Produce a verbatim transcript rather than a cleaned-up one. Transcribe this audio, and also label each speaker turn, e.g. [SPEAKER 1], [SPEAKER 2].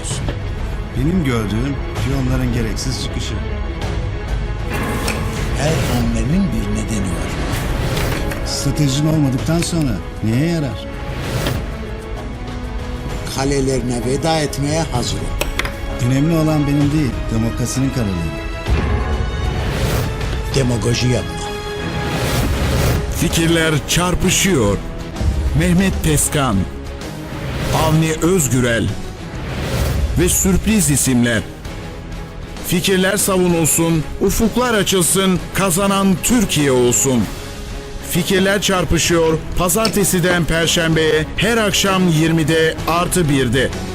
[SPEAKER 1] olsun.
[SPEAKER 2] Benim gördüğüm piyonların gereksiz çıkışı.
[SPEAKER 1] Her hamlenin bir nedeni var.
[SPEAKER 2] Stratejin olmadıktan sonra neye yarar?
[SPEAKER 1] Kalelerine veda etmeye hazır ol.
[SPEAKER 2] Önemli olan benim değil, demokrasinin kararları.
[SPEAKER 1] Demagoji yapma.
[SPEAKER 3] Fikirler çarpışıyor. Mehmet Tezkan, Avni Özgürel ve sürpriz isimler. Fikirler savunulsun, ufuklar açılsın, kazanan Türkiye olsun. Fikirler çarpışıyor. Pazartesiden Perşembe'ye her akşam yirmide artı birde.